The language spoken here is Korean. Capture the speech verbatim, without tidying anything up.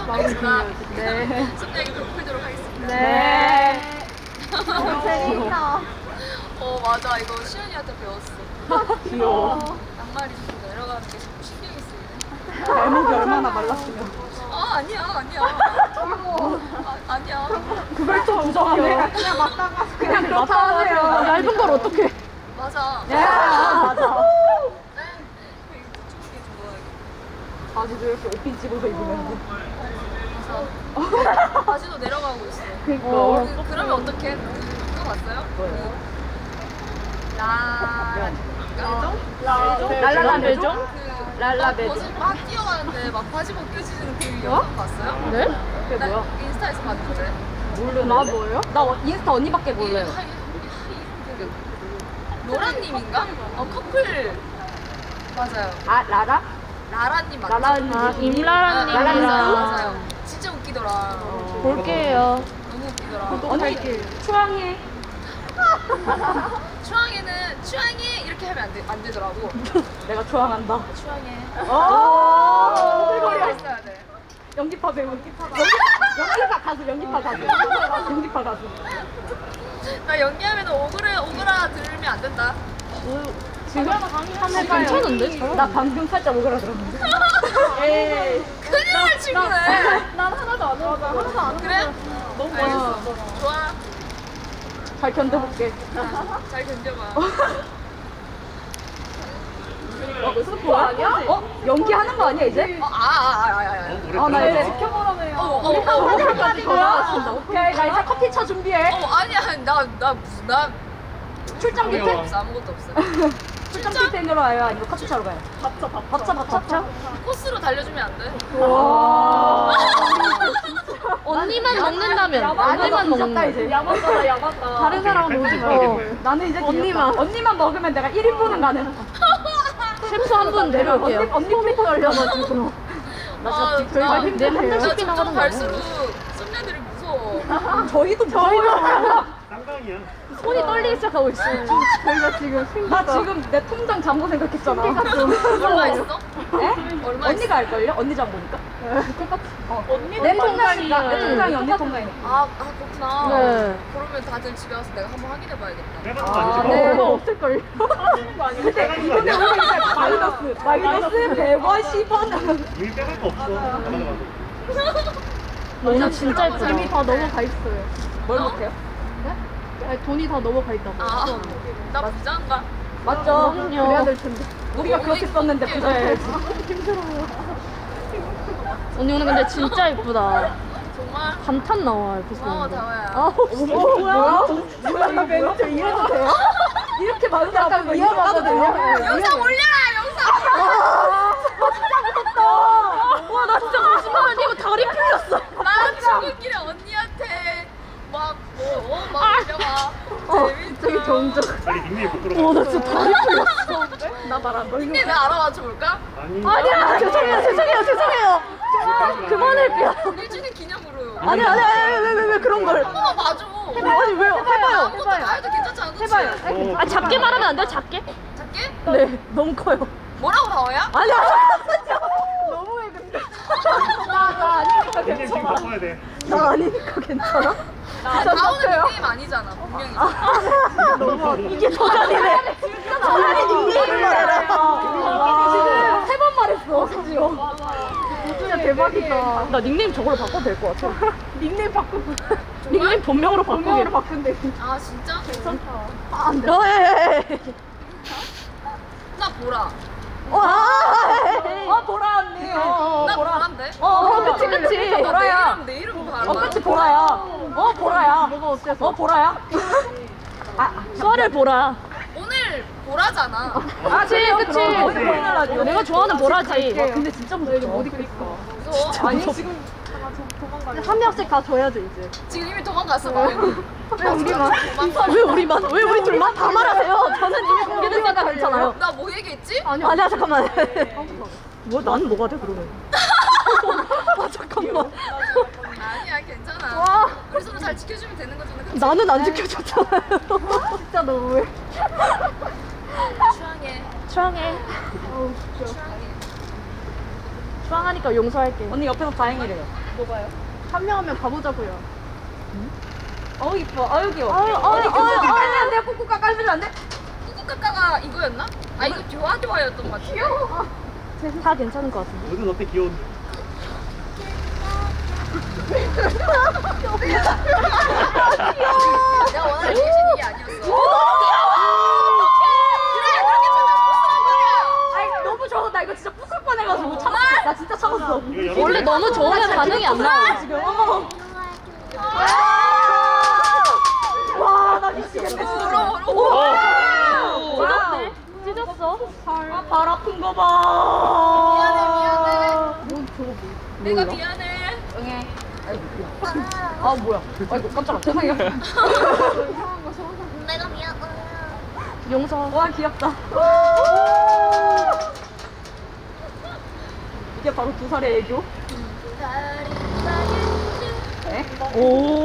알겠습니다. 네. 속 이야기 풀도록 하겠습니다. 네. 재밌다. 어 맞아 이거 시연이한테 배웠어. 귀여워. 양말이 좀 내려가는 게 자꾸 신경이 쓰이네. 발목이 얼마나 말랐으면. 아 아니야 아니야. 아, 아니야. 그걸 또 부정하네. 그냥 맞다가 그냥 그렇다 하세요. 얇은 걸 어떻게. 맞아. 야, 맞아. 게 좋아해. 바지도 이렇게 옷핀 집어서 입으면. 맞아. 바지도 내려가고 있어. 그니까. 어, 그, 그러면 어떡해? 그거 봤어요? 뭐요? 그 라... 랄라 매종? 그 랄라 막 매종? 벗을 막 뛰어가는데 막 바지 벗겨지는 그 영상 봤어요? 네? 그게 나 뭐야? 인스타에서 봤는데. 모르는. 나 뭐예요? 나 인스타 언니밖에 몰라요. 하- 하- 그 노라님인가? 어 커플 맞아요. 아, 라라? 라라님 맞죠? 라라님. 아, 임라라님이랑. 아, 맞아요, 맞아요. 진짜 웃기더라. 볼게요. 너무 웃기더라. 언니, 추앙해. 추앙에는 추앙해 이렇게 하면 안, 되, 안 되더라고. 내가 추앙한다. 추앙해. 오! 머리가 있어야 돼. 연기파 배우. 연기파 가수. 연기파 가수, 연기파 가수. 연기파 가수. 나 연기하면 오그라 오그라 들으면 안 된다. 지금 한번 해봐요. 괜찮은데? 나 방금 살짝 오그라들었는데. 에이. 큰일 날 친구네. 난 하나도 안 오그라. 하나도 안 그래? 너무 멋있어. 좋아. 잘 견뎌볼게. 잘 견뎌봐. 어, 스포 아니야? 어? 연기하는 거 아니야, 이제? 어, 아, 아, 아, 아, 아. 아, 나 이제 지켜보라며요. 어, 어, 어, 오그라까지 돌아왔습니다. 오케이, 나 이제 커피 차 준비해. 어, 아니야. 나, 나 무슨, 나 출장 뷔페? 없어. 아무것도 없어. 출장 뷔페로 와요? 아니면 커피 차로 가요? 밥차, 밥차. 밥차, 밥차? 코스로 달려주면 안 돼? 와. 언니만 먹는다면. 언니만 언니만 먹는다, 먹는다. 이제. 야만다, 야만다. 다른 사람은 오지 마. 어, 나는 이제 언니만. 언니만 먹으면 내가 일 인분은 가능. 셰프 한 분 내려올게요. 언니, 언니 폼이 걸려가지고. 나 아, 진짜 저희가 나- 힘들네요. 한 나 달씩 나가는 점점 거 갈수록 썸네들이 무서워. 저희도 저희도 쌍방이야. 손이 떨리기 시작하고 있어요. 저희가 지금 나 지금 내 통장 잠보 생각했잖아. 얼마 있어? 에? 얼마 언니가 알걸요? 언니 잠보니까. 똑같이. 어. 언니 내 통장이니까 내 통장이 언니 통장이니까. 아, 아 그렇구나. 네. 그러면 다들 집에 와서 내가 한번 확인해봐야겠다. 빼가는 거 아, 아니지? 네. 뭐. 그거 없을걸요? 근데 근데 우리 이제 마이너스 마이너스 백오십 원. 우리 빼갈 거 없어. 가져가도. 너무 진짜 예쁘다. 이미 다 넘어가 있어요. 뭘 못해요? 아니, 돈이 다 넘어가 있다고. 아, 나 부자인가? 맞죠? 그럼요. 그래야 될 텐데. 우리가 그렇게 썼는데 부자야지. 언니 오늘 근데 진짜 예쁘다. 정말? 감탄 나와, 이렇게 고마워, 쓰는 거. 다와야. 아, 어, 뭐야? 뭐야? 이 멘트 이래도 돼요? 이렇게 많은 사람 이해가도 돼요? 영상 올려라, 영상! 아, 진짜 무섭다. 와, 나 진짜 거짓말 아니고 다리 풀렸어. 나 출근길에 언니한테 막, 뭐, 어, 막 아. 올려봐. 어, 재밌다. 저기 점점. 빨리 닉네임 못 들어가. 와, 나 진짜 다리 풀렸어. 나 말 안 걸리는 근데 나 알아맞혀 볼까? 아니. 아니야, 죄송해요, 죄송해요, 죄송해요. 그만할게요. 일 주년 기념으로. 아니, 아니, 아니, 왜, 왜, 왜 그런 걸. 한 번만 봐줘. 아니, 왜요? 해봐요. 아무것도 다 해도 괜찮지 않아? 그치? 해봐요. 아, 작게 말하면 안 돼요, 작게? 작게? 네, 너무 커요. 뭐라고 다와야? 아니야, 진짜. 너무해, 근데. 나, 나 아니니까 닉네임 지금 괜찮아. 바꿔야 돼. 나 아니니까 괜찮아. 진짜 다오는 착해요. 닉네임 아니잖아, 분명히. 너무 이게 저자리네. 저자리 닉네임을 알아. 지금 세 번 말했어, 심지어. 진짜 대박이다. 나 닉네임 저걸로 바꿔도 될 것 같아. 닉네임 바꾸고. 닉네임 본명으로 바꾸게. 본명으로 바꾼대. 아, 진짜? 괜찮다. 아, 안 돼. 어, 예, 예. 나 보라. 와, 어, 보라 언니. 어, 나 보라. 보라인데? 어, 어, 그치, 그치. 나 보라야. 내 이름, 내 이름 봐라. 어, 그치, 보라야. 어, 보라야. 뭐가 어때서? 어, 보라야. 아, 썰을 보라. 오늘 보라잖아. 아, 그치, 그치. 어디 보이는 라디오? 내가 좋아하는 보라지. 와, 근데 진짜 무섭다. 못 입겠어. 무서워? 아니, 지금 한 명씩 다 줘야죠, 이제. 지금 이미 도망갔어, 봐. 왜 우리만? 왜 우리만? 왜 우리 둘만? 다 말하세요. 저는 이미 공개됐으니까 괜찮아요. 나 뭐 얘기했지? 아니야, 아니야 잠깐만. 뭐, 난 뭐가 돼, 그러면? 아, 잠깐만. 아니야, 괜찮아. 와. 우리 서로 잘 지켜주면 되는 거잖아. 그치? 나는 안 지켜줬잖아요. 진짜 너무해. 추앙해. 추앙해. 추앙해. 빵하니까 용서할게. 언니 옆에서 다행이래요. 뭐가요? 한 명 하면 가보자고요. 어우 이뻐. 아유 귀여워. 아유, 아유, 언니 꾹꾹 아유, 깔면 안 돼요? 꾹꾹 깔면 안 돼? 꾸꾸까까가 이거였나? 아 이거 좋아 좋아였던 것 같아. 귀여워. 다 괜찮은 것 같은데. 너는 어때 귀여운데? 내가 원하는 리액션 이게 아니었어. 아이 너무 좋아. 나 이거 진짜 부술 뻔해가지고 참았어. 나 진짜 참았어. 이거 열어. 원래 너무 좋으면 반응이 안 나와. 지금. 어머. 와, 나 미치겠네. 진짜. 찢었네. 찢었어. 아, 발 아픈 거 봐. 미안해 미안해. 내가 미안해. 응애. 아 뭐야? 아이고 깜짝아. 죄송해요. 내가 미안해. 용서. 와 귀엽다. 이게 바로 두 살의 애교? 에? 오.